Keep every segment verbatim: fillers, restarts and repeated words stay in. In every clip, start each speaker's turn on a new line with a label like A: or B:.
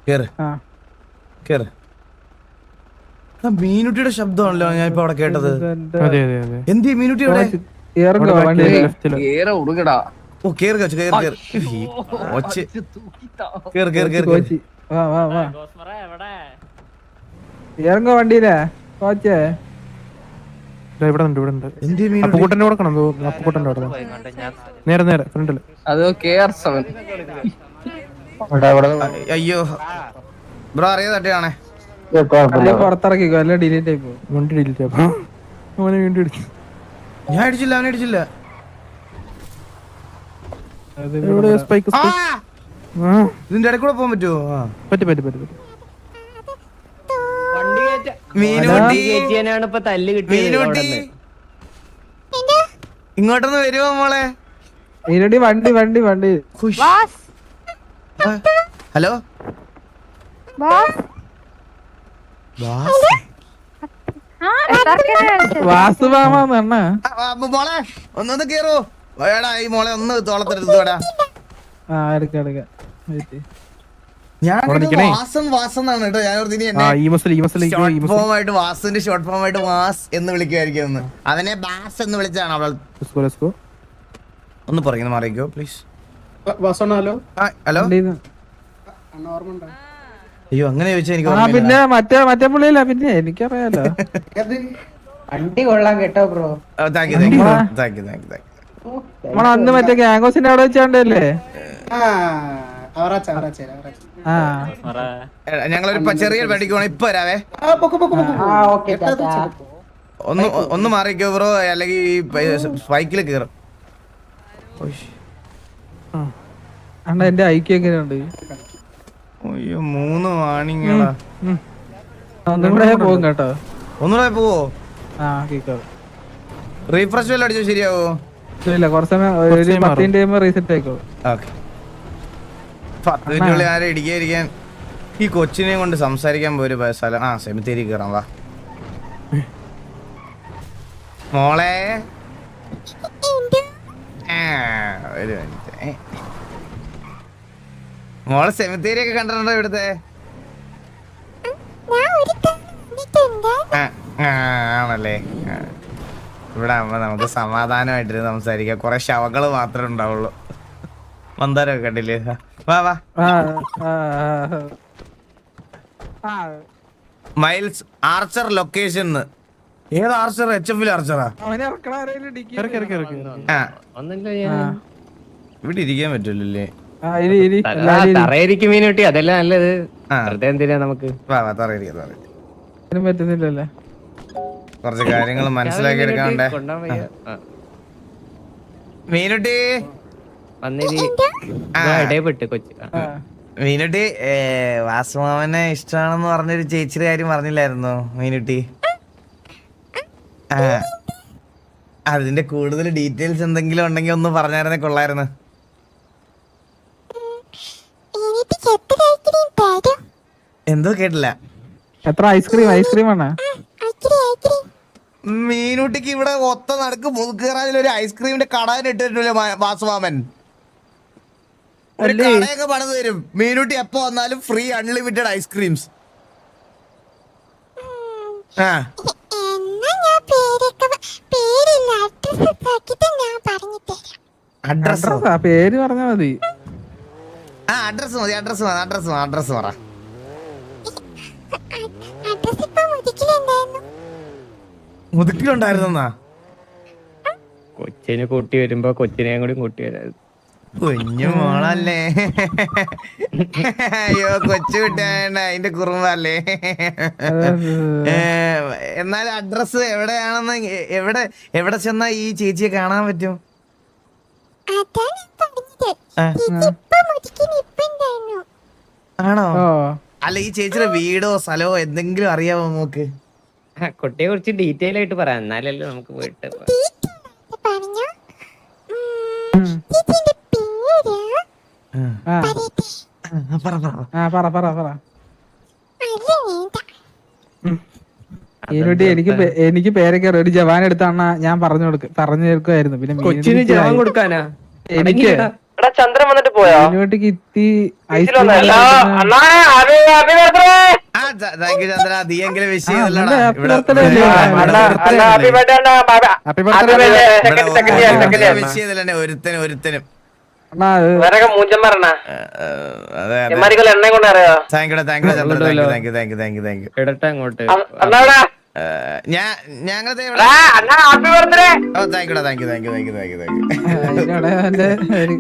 A: കേറ് കേറ്. മീനുട്ടിയുടെ ശബ്ദമാണല്ലോ ഞാൻ ഇപ്പൊ അവിടെ കേട്ടത്. എന്ത് മീനുട്ടി ഇവിടെ? ഓ കേറ് കേറ് കേറ് കേറ് കേറ് കേറ് കേറ്
B: ഇറങ്ങോ വണ്ടിയിലെ കോച്ചേ.
C: ഇവിടെ ഉണ്ട് ഇവിടെ ഉണ്ട്. അപ്പുക്കുട്ടന്റെ കൊടുക്കണം. അപ്പുക്കുട്ടന്റെ അവിടെ നേരെ നേരെ ഫ്രണ്ടില്.
A: അയ്യോ ബ്രോ അറിയാതെ തട്ടിയാണേ.
B: പുറത്തിറക്കിക്കോ അല്ല ഡിലീറ്റ് ആയി പോകും.
C: വണ്ടി ഡിലീറ്റ് ആവും. അവനെ വീണ്ടും ഇടിച്ചു.
A: ഞാൻ അടിച്ചില്ല അവനെ അടിച്ചില്ല.
C: സ്പൈക്ക്
A: ഇതിന്റെ ഇടയിൽ കൂടെ പോകാൻ പറ്റുമോ?
C: പറ്റി പറ്റി പറ്റി പറ്റി.
A: ഇങ്ങോട്ടൊന്ന് വരുമോ മോളെ?
B: വണ്ടി വണ്ടി വണ്ടി.
A: ഹലോ
B: വാസുമാമ
A: മോളെ ഒന്നൊന്ന് കേറോ വേടാ. ഈ മോളെ ഒന്ന് തോളത്തെടുത്തോടാ. വാസുവിന്റെ ഷോർട്ട് ഫോം ആയിട്ട് വാസ് എന്ന് വിളിക്കുമായിരിക്കും. അവനെ ബാസ് എന്ന് വിളിച്ചാണ് അവൾ. ഒന്ന് പറയുന്നത് മാറിക്കോ പ്ലീസ്. ഹലോ അയ്യോ അങ്ങനെ ചോദിച്ചാ എനിക്ക്
B: പിന്നെ മറ്റേ മറ്റേ പുള്ളിയില്ല. പിന്നെ എനിക്കറിയാലോ വണ്ടി കൊള്ളാൻ കേട്ടോ bro.
A: Thank you thank you thank you thank you
B: നമ്മള് അന്ന് മറ്റേ ഗാംഗോസിന്റെ അവിടെ വെച്ചാണ്ടല്ലേ.
A: ഞങ്ങളൊരു ചെറിയ വണ്ടിക്ക് പോണം. ഇപ്പൊ വരാവേ. ഒന്ന് ഒന്ന് മാറിക്കോ ബ്രോ, അല്ലെങ്കിൽ ഈ ബൈക്കിൽ കേറും.
B: എന്റെ ഐക്യം എങ്ങനെയുണ്ട്?
A: അയ്യോ മൂന്ന് വാണിങ്ങളാ.
B: ഒന്നുകൂടെ പോകും കേട്ടോ.
A: ഒന്നുകൂടെ പോവോ? റീഫ്രഷ് വല്ല അടിച്ചോ ശരിയാവോ?
B: ഇല്ല കുറച്ച് സമയം പത്ത് മിനിറ്റ് റീസെറ്റ് ആയിക്കോളും.
A: ഓക്കെ പത്ത് മിനിറ്റുള്ളിൽ ആരെ ഇടിക്കാതിരിക്കാൻ. ഈ കൊച്ചിനെ കൊണ്ട് സംസാരിക്കാൻ പോയൊരു സ്ഥലം. ആ സെമിത്തേരി കയറാം വാ മോളെ. ഒരു മിനിറ്റ്. മോളെ സെമിത്തേരി ഒക്കെ കണ്ടിട്ടുണ്ടോ ഇവിടുത്തെ? ആണല്ലേ. ഇവിടെ ആവുമ്പോ നമുക്ക് സമാധാനമായിട്ട് സംസാരിക്കാം. കുറെ ശവങ്ങള് മാത്രമേ ഉണ്ടാവുള്ളൂ. മന്ദാരമൊക്കെ കണ്ടില്ലേ? വാ വാ. Miles Archer location. ഏത് ആർച്ചർ? എച്ച് എഫിൽ ആർച്ചറാ? ഇവിടെ ഇരിക്കാൻ പറ്റൂലേ?
D: മീനുട്ടി അതല്ല നല്ലത്. എന്തിനാ നമുക്ക്
B: പറ്റുന്നില്ലല്ലേ?
A: കുറച്ച് കാര്യങ്ങൾ മനസ്സിലാക്കി എടുക്കാണ്ടേ. മീനുട്ടി മീനുട്ടി വാസുമാമനെ ഇഷ്ടമാണെന്ന് പറഞ്ഞൊരു ചേച്ചിയുടെ കാര്യം പറഞ്ഞില്ലായിരുന്നോ മീനുട്ടി? ആ അതിന്റെ കൂടുതൽ ഡീറ്റെയിൽസ് എന്തെങ്കിലും ഉണ്ടെങ്കിൽ ഒന്ന് പറഞ്ഞായിരുന്നേ കൊള്ളായിരുന്നു. എന്തോ കേട്ടില്ല.
B: എത്ര ഐസ്ക്രീം? ഐസ്ക്രീം ആണ്
A: മീനുട്ടിക്ക് ഇവിടെ ഒത്ത നടക്ക് മുതുക്കേറാതിൽ ഒരു ഐസ്ക്രീമിന്റെ കട ഇട്ടിട്ടില്ല വാസുമാമൻ. ഒരു കടയൊക്കെ പണിത് തരും. മീനുട്ടി എപ്പോ വന്നാലും ഫ്രീ അൺലിമിറ്റഡ് ഐസ്ക്രീംസ്. ആ അഡ്രസ്
B: പേര് പറഞ്ഞാ മതി.
A: ആ അഡ്രസ് മതി. അഡ്രസ് മതി. അഡ്രസ് അഡ്രസ് പറ. മുതുക്കിലുണ്ടായിരുന്നാ?
D: കൊച്ചിനെ കൂട്ടി വരുമ്പോ കൊച്ചിനെയും കൂടി കൂട്ടി വരാം.
A: കുഞ്ഞു മോളല്ലേ? അയ്യോ കൊച്ചു കുട്ടിയായ അതിന്റെ കുറുമ്പല്ലേ. എന്നാൽ അഡ്രസ് എവിടെയാണെന്ന് എവിടെ എവിടെ ചെന്നാ ഈ ചേച്ചിയെ കാണാൻ പറ്റും? ആണോ? അല്ല ഈ ചേച്ചിയുടെ വീടോ സ്ഥലമോ എന്തെങ്കിലും അറിയാമോ നമുക്ക്?
D: കുട്ടിയെ കുറിച്ച് ഡീറ്റെയിൽ ആയിട്ട് പറയാം, എന്നാലല്ലേ നമുക്ക് പോയിട്ട്.
B: എനിക്ക് എനിക്ക് പേരൊക്കെ ഒരു ജവാൻ എടുത്താണ ഞാൻ പറഞ്ഞു കൊടുക്ക പറഞ്ഞു തീർക്കുമായിരുന്നു. പിന്നെ
D: കൊച്ചിന് ജവാൻ കൊടുക്കാനാ?
B: എനിക്ക്
E: ചന്ദ്രൻ വന്നിട്ട് പോയോ?
B: മീനുട്ടിക്ക് ഇത്തി ഐസ്
A: ആ താങ്ക് യു ചന്ദ്ര നീ എങ്കിലും വിഷ് ചെയ്തല്ലോടാ ഇവിടെ
B: ഹാപ്പി ബർത്ത്ഡേ
A: വിഷ് ചെയ്തല്ലേ ഒരുത്തനും ഒരുത്തനും
E: മൂഞ്ചന്മാരണ
A: അതെ അതെ
E: എണ്ണ കൊണ്ട് അറിയോ?
A: Thank you thank you Chandra thank you thank you thank you thank you thank you
D: ഇടട്ടെ അങ്ങോട്ട്
A: ഞാൻ ഞങ്ങളത്
E: ഹാപ്പി ബർത്ത്ഡേ.
A: ഓ താങ്ക് യുടാ thank you thank you thank you thank you thank you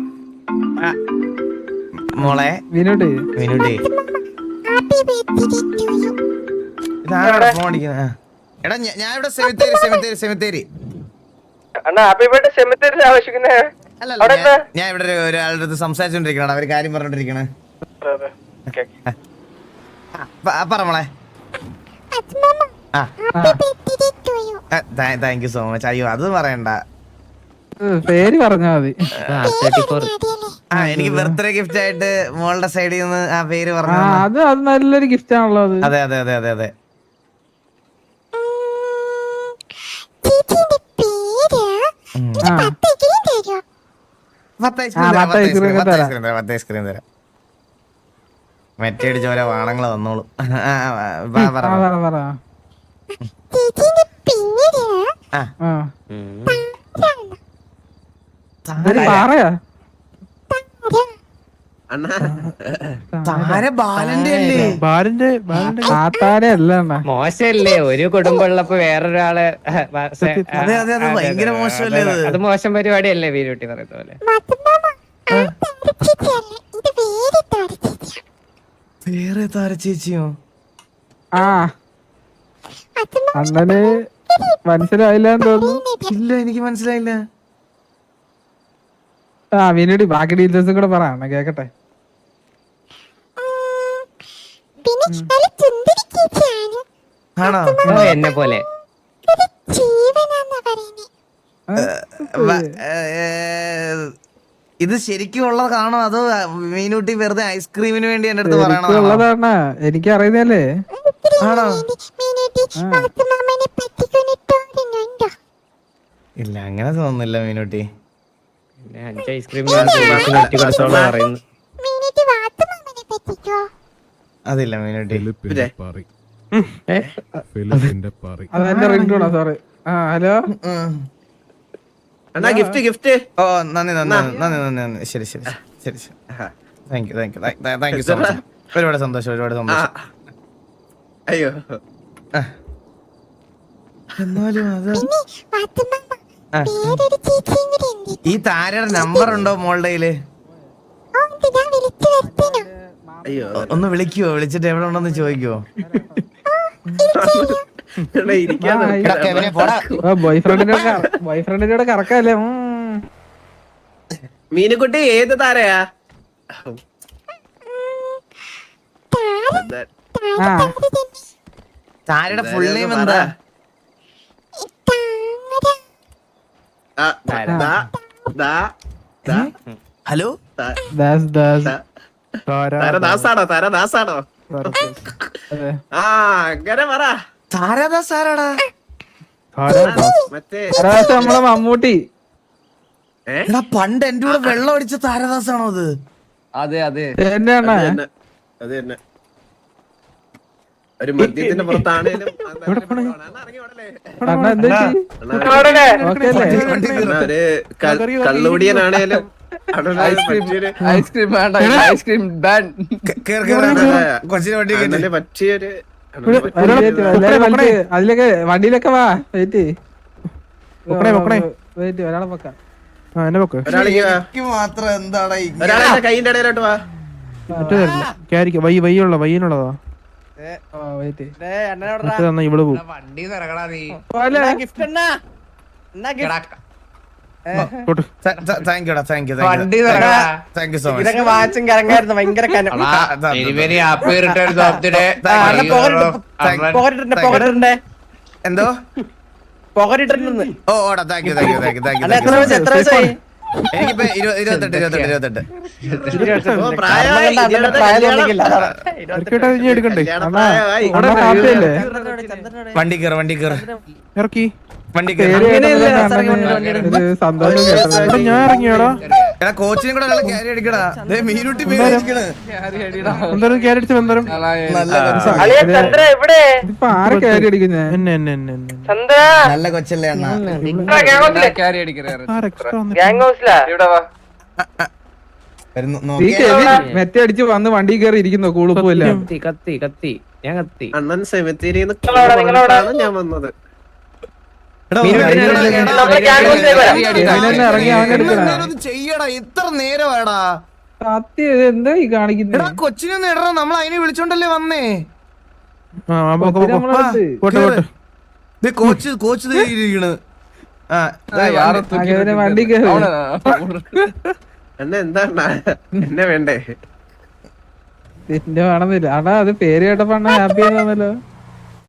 A: മോളെ
B: മീനുട്ടി
A: മീനുട്ടി ഇതാണ് ഫോൺ അടിക്കുന്നത് എടാ ഞാൻ ഇവിടെ സെമിത്തേരി സെമിത്തേരി സെമിത്തേരി
E: അണ്ണാ ഹാപ്പി ബർത്ത്ഡേ സെമിത്തേരിൽ ആവശ്യിക്കുന്നേ.
A: അല്ലല്ല ഞാൻ- ഞാൻ ഇവിടെ ഒരു- ഒരാളുടെ അടുത്ത് സംസാരിച്ചോണ്ടിരിക്കണ അവര് കാര്യം പറഞ്ഞോണ്ടിരിക്കണേ പറ മോളെ ആ താങ്ക് യു സോ മച്ച് അയ്യോ അത് പറയണ്ട
B: പേര് പറഞ്ഞാ മതി.
D: തേർട്ടി ഫോർ
A: ആ എനിക്ക് ബർത്ത്ഡേ ഗിഫ്റ്റ് ആയിട്ട് മോളുടെ സൈഡിൽ നിന്ന് ആ പേര്
B: ആ
A: പറഞ്ഞു
B: അത് അത് നല്ലൊരു ഗിഫ്റ്റ് ആണല്ലോ അത്.
A: അതെ അതെ അതെ അതെ അതെ
B: ആ
A: പത്ത്
B: ആ, പത്ത് ice cream ഒക്കെ തരാം.
A: പത്ത് ഐസ്ക്രീം തരാം മറ്റേ ചോര വാണങ്ങളെ വന്നോളൂ ആ, ആ, വാ, പറ,
B: ആ,
A: പറ.
B: പറ പറ
A: ആ,
B: ആ ഇതൊരു പാറയാ
A: താര ബാലന്റെ അല്ലേ
C: ബാലന്റെ ബാലന്റെ
B: കാത്താരെ അല്ല അണ്ണാ.
D: മോശമല്ലേ ഒരു കുടുംബം ഉള്ളപ്പോ വേറൊരാള്
A: അതെ അതെ അതെ ഭയങ്കര മോശമല്ലേ ഇത്
D: അത് മോശം പരിപാടിയല്ലേ വീരുട്ടി പറയുന്ന പോലെ
A: വേറെ താര ചേച്ചിയോ
B: ആ അണ്ണന് മനസ്സിലായില്ലാന്ന് തോന്നുന്നു.
A: ഇല്ല എനിക്ക് മനസ്സിലായില്ല
B: ആ മീനുട്ടി ബാക്കി ഡീറ്റെയിൽസും കൂടെ പറ അണ്ണ കേക്കട്ടെ.
A: ആണോ
D: ഓ, എന്നെ പോലെ
A: വ- ഏ, ഇത് ശരിക്കും ഉള്ളതാണോ അതോ മീനൂട്ടി വെറുതെ ഐസ്ക്രീമിന് വേണ്ടി എന്റെ അടുത്ത് പറയണോ
B: ഉള്ളതാണ് എനിക്ക് അറിയുന്നല്ലേ.
A: ആണോ ഇല്ല അങ്ങനെ തോന്നുന്നില്ല മീനൂട്ടി
D: പിന്നെ അഞ്ച് ഐസ്ക്രീം നെറ്റി കൊടുത്തോളം പറയുന്നു
A: അതില്ല മീനൂട്ടി
B: അതെന്റെ റിംഗ് ടൂണാ സോറി. ആ ഹലോ
A: ഉം.
E: അണ്ണാ ഗിഫ്റ്റ് ഗിഫ്റ്റ്.
A: ഓ നന്ദി നന്ദി നന്ദി നന്ദി നന്ദി ശരി ശരി ശരി ശരി thank you thank you thank you so much ഒരുപാട് സന്തോഷം ഒരുപാട് സന്തോഷം
E: അയ്യോ
A: എന്നാലും അത് ആ. ഈ താരയുടെ നമ്പർ ഉണ്ടോ മോളുടെ കയ്യില്
E: അയ്യോ
A: ഒന്ന് വിളിക്കുവോ വിളിച്ചിട്ട് എവിടെ ഉണ്ടെന്ന് ചോദിക്കുവോ
B: ബോയ് ഫ്രണ്ടിനോട് ബോയ് ഫ്രണ്ടിനോട് കറക്കല്ലേ.
E: മീനുകുട്ടി ഏത് താരയാ?
B: ആ
A: താരയുടെ ഫുൾ നെയിം എന്താ
E: ആ, ദാ, ദാ, ദാ,
A: ഹലോ
E: ദാ.
B: ദാസ് ദാസ്
E: താരദാസാണോ താരദാസാണോ?
B: അതെ.
E: ആ അങ്ങനെ പറ.
A: താരാദാസ് ആരാടാ
E: മറ്റേ
B: ദാസ് നമ്മളെ മമ്മൂട്ടി.
A: എടാ പണ്ട് എന്റെ കൂടെ വെള്ളം അടിച്ച താരദാസ് ആണോ അത്
E: അതെ അതെ
B: എന്നെ അണ്ണ
E: അത് തന്നെ അത് തന്നെ ഒരു മദ്യത്തിന്റെ പുറത്താണേലും
B: അണ്ണ എന്ത് പറ്റി? ഓക്കേ അല്ലേ?
E: ഒരു ക- കള്ളുകുടിയനാണേലും പറ്റിയൊരു
F: ഐസ്ക്രീം വേണ്ട ഐസ്ക്രീം ബാൻ
A: കേറ് കേറ് കൊച്ചിനെ വണ്ടി കയറ്റി.
E: അണ്ണന് പറ്റിയൊരു
B: ഇവിടെ ഒരാളെ വെയിറ്റ് ചെയ്യ്, എല്ലാരും വലിച്ച് അതിലൊക്കെ വണ്ടിയിലൊക്കെ വാ വെയിറ്റ്
C: പൊക്കണേ, പൊക്കണേ.
B: വെയിറ്റ് ഒരാളെ വെക്കാം.
C: ആ എന്നെ വെക്ക്
E: ഒരാളേക്ക് വാ.
A: എനിക്ക് മാത്രം എന്താടാ ഇങ്ങനെ?
E: ഒരാളെ എന്റെ കൈയിന്റെ ഇടയിലോട്ട് വാ.
C: മറ്റേ തരില്ല ക്യാരിക്ക വൈ വയ്യുള്ള വയ്യനുള്ളതാ
B: വെയിറ്റ്
C: മറ്റേ തന്നാ ഇവള് പോവും തൊട്ട്
A: ത- ത- thank you ടാ, thank you, thank you.
F: വണ്ടി തുറക്കടാ.
A: Thank you so much.
F: ഇതൊക്കെ വാച്ചും കറങ്ങായിരുന്നു ഭയങ്കര കനം.
A: ആ, ദാ,
F: വെരി
A: ദാ,
F: very happy returns of the day.
A: Thank you.
F: അണ്ണാ പോകരുത്.
A: Thank you.
F: പോകരുണ്ട്
A: Thank you.
F: പോകരുണ്ട്
A: എന്തോ
F: പോകരുണ്ടെന്ന്.
A: ഓ ഓടാ thank you thank you thank you thank you
F: അല്ല എത്ര വയസ്സ് എത്ര വയസ്സായി?
A: എനിക്കിപ്പോ ഇരുപത്- ഇരുപത്തെട്ട് ഇരുപത്തെട്ട് ഇരുപത്തെട്ട്
E: ഓ, പ്രായമായി.
F: അണ്ണന്റെ
E: ഇരുപത്
F: പ്രായം
E: കല്യാണം.
F: തോന്നിക്കില്ല.
C: ഇറക്കിട്ട് ഇനി എടുക്കണ്ടേ
E: കല്യാണം
B: അണ്ണാ
E: പ്രായമായി.
B: അണ്ണാ ഹാപ്പിയല്ലേ?
A: വണ്ടി കയറ് വണ്ടി കയറ്
C: ഇറക്കി
A: വണ്ടി
B: പേര്
A: കയറി.
F: അങ്ങനെയല്ല,
B: കേട്ടപ്പോ
F: സാറേ,
B: കണ്ണന്
F: വണ്ടി
B: ഒരു സന്തോഷം കേട്ടത്.
C: എടാ ഞാൻ ഇറങ്ങിയോടാ
A: എടാ കോച്ചിനും കൂടെ ഒരാളെ ക്യാരി അടിക്കടാ. ദേ മീനുട്ടി പേടിക്കണ്.
C: എന്തായാലും ക്യാരറ്റ് എന്തായാലും
A: നല്ല കൊച്ചാ.
F: അളിയ ചന്ദ്ര എവിടെ
B: ഇതിപ്പോ ആരെ കയറി അടിക്കുന്നേ?
C: എന്നെ എന്നെ എന്നെ എന്നെ
F: ചന്ദ്ര
A: നല്ല കൊച്ചല്ലേ അണ്ണ.
C: ആർ എക്സ്ട്രാ വന്നിട്ട്
F: ഗ്യാങ് ഹൗസിലാ ഇവിടെ വാ
A: വരുന്നു
B: ഈ
A: നോക്കിയാ.
B: കെവിൻ മെറ്റ അടിച്ച് വന്ന് വണ്ടി കയറി ഇരിക്കുന്നു കൂളിപ്പോയില്ല.
D: കത്തി കത്തി കത്തി ഞാൻ കത്തി
E: അണ്ണൻ സെമിത്തേരിന്ന് പറഞ്ഞിട്ടാണ് ഞാൻ വന്നത്.
A: എടാ,
D: മീനുട്ടി
A: എടാ,
D: ഞാൻ-
A: എടാ,
F: നമ്മുടെ ഗ്യാങ് ഹൗസിലേക്ക് വരാം.
B: കെവിനെന്നെ ഇറങ്ങി അവൻ എടുക്കണേ.
A: എന്നെങ്കിലും ഒന്ന് ചെയ്യടാ. ഇത്ര നേരമാടാ.
B: സത്യം ഇത് എന്താ ഈ കാണിക്കുന്നത്?
A: എടാ കൊച്ചിനെ ഒന്ന് ഇടണം. നമ്മൾ അതിനെ വിളിച്ചോണ്ടല്ലേ വന്നേ.
C: ആ ആ, പോ, പോ, പോ.
B: നമ്മളടുത്ത്
C: പോട്ടെ പോട്ടെ
A: ദേ കോച്ച് കോച്ച് ദേ ഇരിക്കണ്. ആ ദേ വണ്ടി.
B: കെവിനെ വണ്ടി കയറി.
E: അണ്ണ എന്താണ് എന്നെ വേണ്ടേ?
B: എന്റെ വേണമെന്നില്ല. അടാ അത് പേര് കേട്ടപ്പോ ഹാപ്പി ആണെന്നല്ലോ.